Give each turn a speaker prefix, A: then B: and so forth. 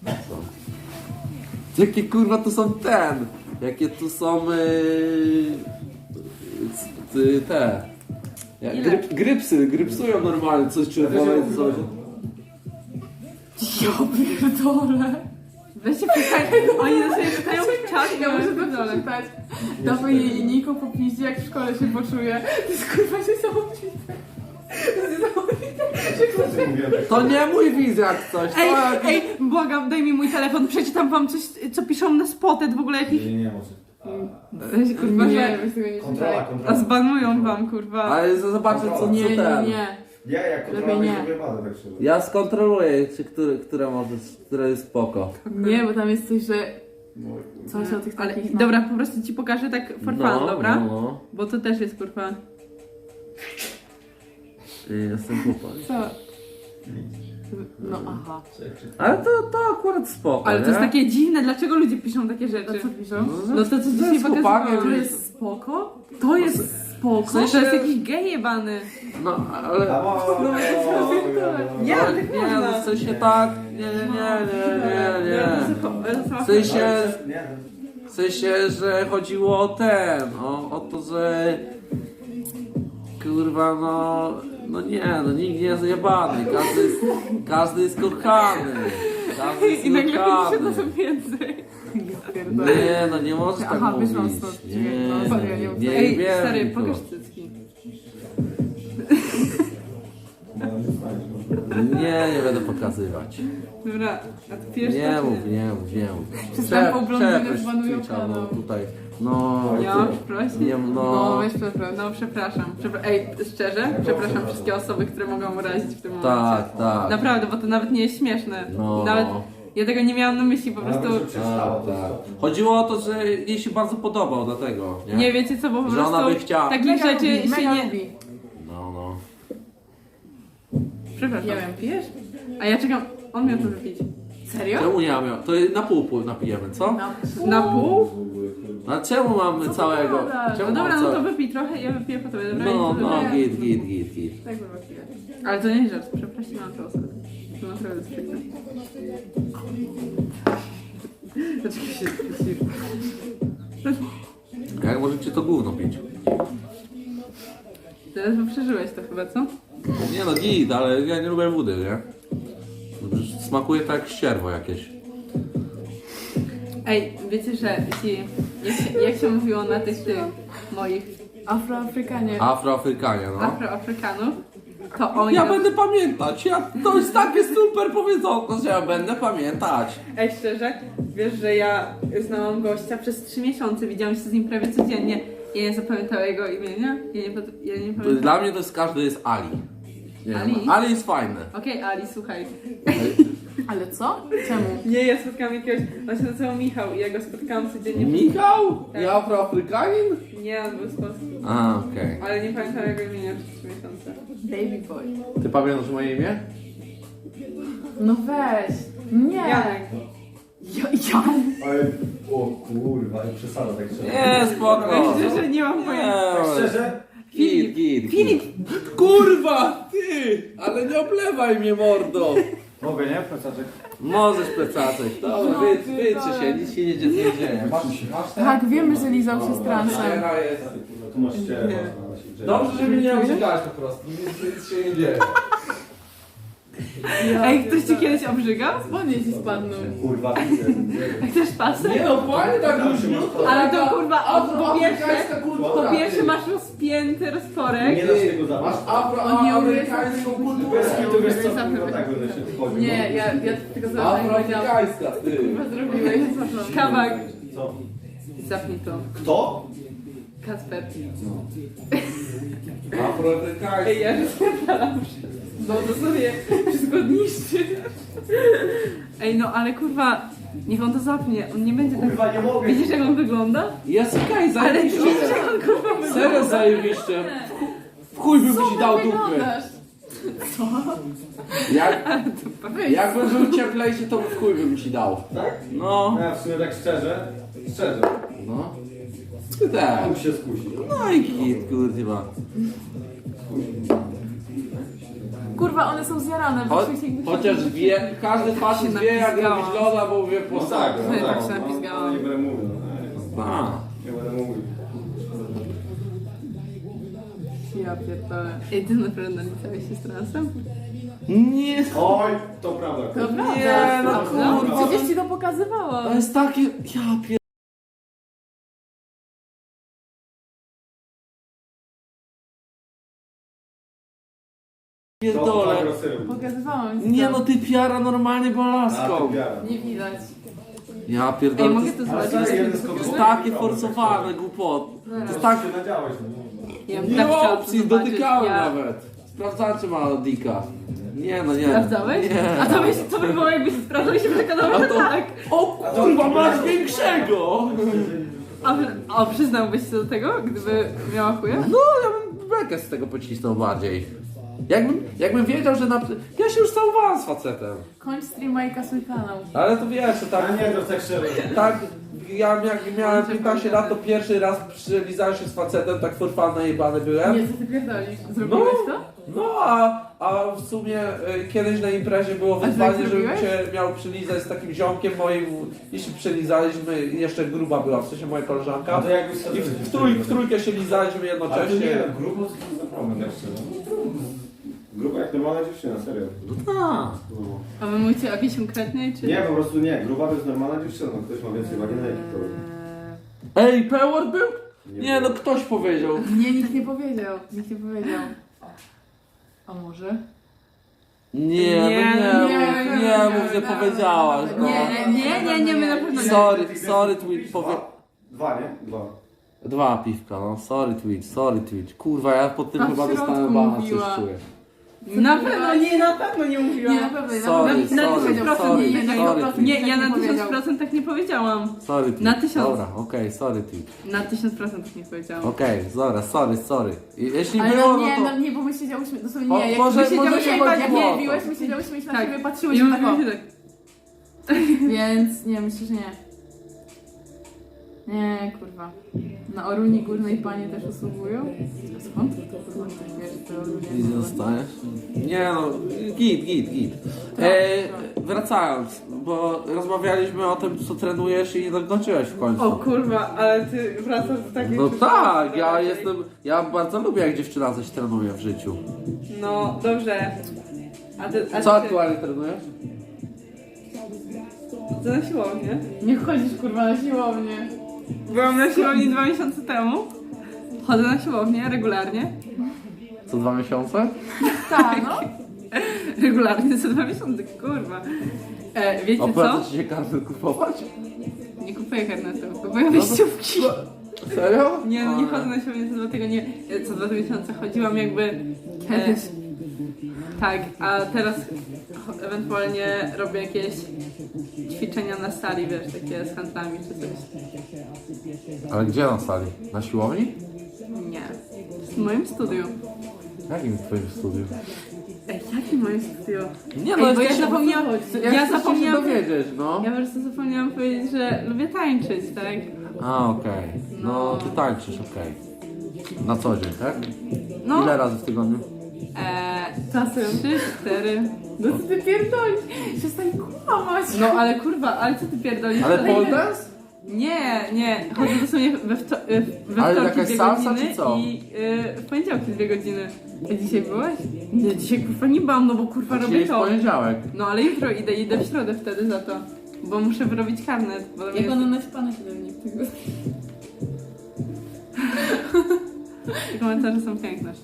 A: Jakie kurwa to są ten? Jakie tu są te? Grypsują normalnie, coś czerwone, coś.
B: Ja pierdolę. Weźcie pytanie, oni na sobie pytają w czat, ja muszę to przeczytać. Dawaj jej linijką po piździe, jak w szkole się poczuje. To jest kurwa niesamowite.
A: To nie mój widz jak coś.
B: Ej, błagam, daj mi mój telefon, przeczytam wam coś, co piszą na Spotted, w ogóle jakiś...
C: Nie, może.
B: Weź, kurwa,
D: Nie,
B: że...
D: weź tego nie
C: Kontrola,
D: czytaj.
B: A zbanują wam, kurwa.
A: Ale zobaczę co
B: Nie,
A: ten.
B: nie.
C: Ja jak kontrola
D: Lepiej
C: nie
D: nie.
C: wyjebane, tak szczerze.
A: Ja skontroluję, czy które jest spoko.
D: Nie, bo tam jest coś, że...
C: No, kurwa.
D: Coś o tych
B: Ale
D: takich... no.
B: dobra, po prostu ci pokażę tak for fun, dobra?
A: No.
B: Bo to też jest, kurwa...
A: Jestem chłopak.
D: Co? No aha.
A: Ale to akurat spoko,
B: Ale to
A: nie?
B: jest takie dziwne, dlaczego ludzie piszą takie rzeczy?
D: A co piszą?
B: No to co
A: To
B: dzisiaj
A: jest chłopakiem,
B: pokazywałam.
D: To
A: że-
D: jest spoko?
B: To jest spoko.
A: W sensie-
B: To jest jakiś gej jebany.
A: No, ale...
B: Nie,
A: ale
B: tak
A: nie,
B: można.
A: no w sensie tak... Nie. W sensie, że chodziło o ten, o to, że... Kurwa, no nikt nie jest zjebany, każdy jest kochany. Każdy jest
B: I nagle pisze
A: kochany.
B: to są więcej.
A: Nie, no nie możesz tak
D: Aha,
A: mówić.
D: wyszłam stąd.
A: Nie,
D: No, sorry, ja nie mów
A: nie,
D: tak.
B: Ej,
A: wiem,
B: stary,
A: to.
B: pokaż cycki.
A: Nie będę pokazywać.
B: Dobra, a ty pijesz
A: Nie
B: to, czy
A: mów, nie mów.
D: Przystępą blondynę
A: Przeproś
D: zbanują
A: Twitcha, no
D: kanał.
A: tutaj. No,
B: Ja
A: ty-
B: mam prosić?
A: nie,
D: No,
A: no.
D: weź przepraszam.
B: No przepraszam. Ej, szczerze, przepraszam wszystkie osoby, które mogą urazić w tym momencie.
A: Tak.
B: Naprawdę, bo to nawet nie jest śmieszne.
A: No.
B: Nawet ja tego nie miałam na myśli, po prostu...
A: Tak. Chodziło o to, że jej się bardzo podobał, dlatego. Nie,
B: Nie wiecie co, bo po
A: Że
B: prostu
A: ona by chciała.
B: takich
D: Mega
B: rzeczy
D: lubi,
B: się
D: mega
B: nie...
D: lubi.
A: No.
B: Przepraszam.
D: Nie wiem, pijesz?
B: A ja czekam, on miał to wypić.
D: Serio?
A: Czemu nie mam? To na pół napijemy, co?
B: Na pół?
A: A czemu mamy całego?
D: gadasz?
A: Czemu
B: No dobra,
A: mamy
B: no to
A: całe-
B: wypij trochę, ja wypiję po tobie, dobra?
A: No,
B: I to wypiję.
A: git.
D: Tak chyba pijesz.
B: Ale to nie jest żart, przeprosiłam tę osobę. To naprawdę jest przykre. Dlaczego się spocisz?
A: Jak możecie to gówno pić?
B: Teraz bo przeżyłeś to chyba, co?
A: Nie no, git, ale ja nie lubię wody, nie? Smakuje tak jak ścierwo jakieś.
B: Ej, wiecie, że jak się mówiło na tych moich
D: Afroafrykanie.
A: Afroafrykanie, no.
B: Afroafrykanów, to oni...
A: Ja będę pamiętać, to jest takie super powiedzonko, że ja będę pamiętać.
B: Ej, szczerze, wiesz, że ja znałam gościa przez 3 miesiące, widziałam się z nim prawie codziennie. Ja nie zapamiętałam jego imienia, ja nie pamiętam.
A: Dla mnie to jest każdy jest Ali. Nie wiem,
B: Ali?
A: Ali jest fajny.
B: Okej, Ali, słuchaj.
D: Ale co? Czemu?
B: Nie, ja spotkałam jakiegoś, on się nazywał Michał i ja go spotkałam codziennie.
A: Michał?
B: Tak.
A: Nie Afroafrykanin?
B: Nie, on był z Polski.
A: A, okej.
B: Ale nie pamiętam jego imienia przez 3 miesiące.
D: Baby boy.
A: Ty pamiętasz moje imię?
D: No weź. Nie.
B: Janek.
D: Jan.
C: Ale, o kurwa, i przesada tak szczerze.
A: Nie, spoko.
B: Szczerze, nie mam pojęcia.
C: Tak
A: Nie,
C: szczerze?
A: Git.
B: Filip!
A: Kurwa, ty! Ale nie oblewaj mnie, mordo.
C: Mogę, nie? Plecaczek.
A: Możesz plecaczek. Dobra, wyczy się, nic się nie dzieje.
C: Masz ten?
D: Tak, wiemy, że lizał się z transem.
A: Teraz jest.
C: Kurwa, tu masz ścierę, można się
A: Dobrze, że mnie nie obrzygałeś po prostu. Nic się nie dzieje.
B: Ej, ktoś ci kiedyś obrzygał?
D: Spodnie ci spadną.
C: Kurwa,
B: Chcesz pasek?
A: Nie no, fajnie tak luźniutko.
B: Ale to kurwa,
A: Afroamerykańska kultura.
B: po pierwsze masz rozpięty rozporek.
C: Nie da się tego zabrać.
A: Masz afroamerykańską kulturę.
C: Bez kitu, wiesz co, kurwa, tak będę się wchodził.
D: Nie, ja tylko zobaczyłam, jak powiedziałam.
A: Afroamerykańska, ty.
D: Chyba zrobiłeś.
B: Kawak.
C: Co?
B: Zapnij to.
C: Kto?
B: Kasper.
A: Afroamerykańska.
B: Ej, ja rozpierdalam bo to sobie wszystko niszczy. Ej, no ale kurwa, niech on to zapnie, on nie będzie tak...
C: Kurwa, nie mogę.
B: Widzisz jak on wygląda?
A: Jest okej,
B: Ale
A: zajebiście.
B: widzisz jak on kurwa wygląda?
A: Serio zajebiście. W chuj bym ci dał dupy.
D: Wyglądasz.
A: Jakby był cieplejszy, to w chuj bym ci dał.
C: Tak?
A: No,
C: No ja w sumie tak szczerze.
A: no. Ty tak.
C: Mógł się skusić.
A: No i git, kurwa.
B: Kurwa, one są zjarane.
A: Chociaż wie, każdy facet wie jak robić loda, bo wie po
C: Tak,
A: sobie.
C: no
B: tak
C: tak.
B: się napizgałam.
C: Nie będę mówił.
A: A.
C: Nie będę mówił.
B: Ja pierdolę.
D: Ej, ty naprawdę napisałeś się z transem?
A: Nie,
C: Oj, to prawda.
B: To prawda.
A: Nie, no
B: No,
A: kurwa.
B: przecież ci to pokazywało.
A: to jest takie, ja
C: To
A: pierdolę.
C: tak rozsyłam.
B: Pokazywałam ci
A: Nie
B: to.
A: no, ty piara normalnie była laską.
B: Nie widać.
A: Ja
D: Ej,
A: pierdolę, to
D: mogę
A: jest,
D: to
C: Ale
D: zobaczyć?
C: to jest
A: to jest takie forsowane głupoty. To jest
C: Tak
A: tak,
C: się nadziałeś.
D: Ja bym
A: nie
D: tak
A: ma
D: chciała
A: opcji,
D: to zobaczyć.
A: dotykałem
D: Ja-
A: nawet. Sprawdzałem, czy ma dika. Nie no, nie.
D: Sprawdzałeś?
A: Nie.
D: A to by było jakbyś sprawdzał i się przekonał,
A: A
D: że
A: to-
D: tak.
A: O kurwa, masz większego!
D: A przyznałbyś się do tego, gdyby miała chuja?
A: No, ja bym bekę z tego pocisnął bardziej. Jakbym wiedział, że na... Ja się już całowałem z facetem.
B: Kończ streama i kasuj kanał.
A: Ale to wiesz, że
C: A
A: tak...
C: nie, to tak szczerze.
A: Tak, ja jak miałem 15 lat, to pierwszy raz przylizałem się z facetem, tak for fun najebany byłem.
B: Nie, co ty pierdolisz? Zrobiłeś to?
A: No, a w sumie kiedyś na imprezie było
B: ty tak
A: wyzwanie, żebym
B: zrobiłeś?
A: cię miał przylizać z takim ziomkiem moim i się przylizaliśmy, jeszcze gruba była, w sensie moja koleżanka.
C: A to jakbyś sobie...
A: I w trójkę się lizaliśmy
C: Ale to nie,
A: jednocześnie.
C: grubo to jest za problem, tak szczerze. Gruba jak normalna dziewczyna, serio.
A: No tak.
C: No.
D: A wy mówicie o jakiejś konkretnej, czy...
C: Nie, po prostu nie. Gruba to jest normalna dziewczyna. No, ktoś ma więcej wagi na jaki to...
A: Ej, Pewor był? Nie no, ktoś powiedział.
B: Nie, nikt nie powiedział. Nikt nie powiedział. A może?
A: Nie, no nie mów, że powiedziałaś. No.
D: Nie, my na pewno nie.
A: Sorry Twitch,
C: Dwa, nie? Dwa.
A: 2 piwka, no sorry Twitch. Kurwa, ja po tym
B: A w
A: chyba
B: środku
A: dostałem bana, coś
B: mówiła.
A: czuję.
D: Na pewno nie mówiłam.
B: Nie, na pewno.
A: Sorry,
D: Nie, ja na
B: Twitch.
D: 1000% tak nie powiedziałam.
A: Sorry Twitch.
D: Na 1000.
A: Dobra, okej, sorry Twitch.
D: Na 1000% tak nie powiedziałam.
A: Okej, dobra, sorry. Jeśli
B: Ale
A: było,
B: no nie,
A: no to...
B: no nie, bo my siedziałyśmy, dosłownie
A: O,
B: nie, jak
A: może-
B: my siedziałyśmy,
A: może
B: jak
A: nie było
B: nie
A: to.
B: biłeś, my siedziałyśmy na
D: Tak.
B: siebie,
D: I
B: patrzyłyśmy tak o.
D: mówię tak.
B: Więc nie, myślę, że nie. Nie, kurwa. Na Oruni Górnej panie też usługują? A skąd to kurwa ktoś wie, że to ludzie...
A: Nic nie dostajesz? Nie no, git. Wracając, bo rozmawialiśmy o tym, co trenujesz i nie dokończyłeś w końcu.
D: O kurwa, ale ty wracasz do takiej...
A: No tak, ja bardzo lubię jak dziewczyna coś trenuje w życiu.
D: No, dobrze. A
A: Co aktualnie trenujesz?
D: To na siłownię.
B: Nie chodzisz kurwa na siłownię.
D: Byłam na siłowni 2 miesiące temu. Chodzę na siłownię regularnie.
A: Co 2 miesiące?
B: Tak, no.
D: Regularnie co 2 miesiące, kurwa. Wiecie co?
A: Opłaca ci się kartę kupować?
D: Nie kupuję karnetu, kupuję wyjściówki.
A: Serio?
D: Nie, no nie chodzę na siłownię co 2 tygodnie, co 2 miesiące. Chodziłam jakby...
B: Kiedyś.
D: Tak, a teraz ewentualnie robię jakieś ćwiczenia na sali, wiesz, takie z handlami czy coś.
A: Ale gdzie na sali? Na siłowni?
D: Nie. W moim studiu.
A: Jakim twoim studiu?
D: Ej, jakim moim studiu?
A: Nie
D: Ej, bo ja zapomniałam... Ja
A: chcę
D: zapomniałam...
A: się dowiedzieć, no.
D: Ja po prostu zapomniałam powiedzieć, że lubię tańczyć, tak?
A: A, okej. No, ty tańczysz, okej. Na co dzień, tak?
D: No.
A: Ile razy w tygodniu?
D: Czasem 3-4.
B: No co ty pierdolisz? Przestań kłamać.
D: No ale kurwa, ale co ty pierdolisz?
A: Ale pole dance?
D: Nie. Chodzę dosłownie we
A: Ale
D: wtorki
A: jakaś
D: 2
A: salsa,
D: godziny
A: czy co?
D: i w poniedziałki 2 godziny. A dzisiaj byłeś? Nie, dzisiaj kurwa nie byłam, no bo kurwa
A: Dzisiaj
D: robię
A: jest
D: to.
A: poniedziałek.
D: No ale jutro idę w środę wtedy za to. Bo muszę wyrobić karnet. Bo tam
B: Jak
D: jest...
B: ona naćpana się do mnie w tego.
D: Te komentarze są piękne.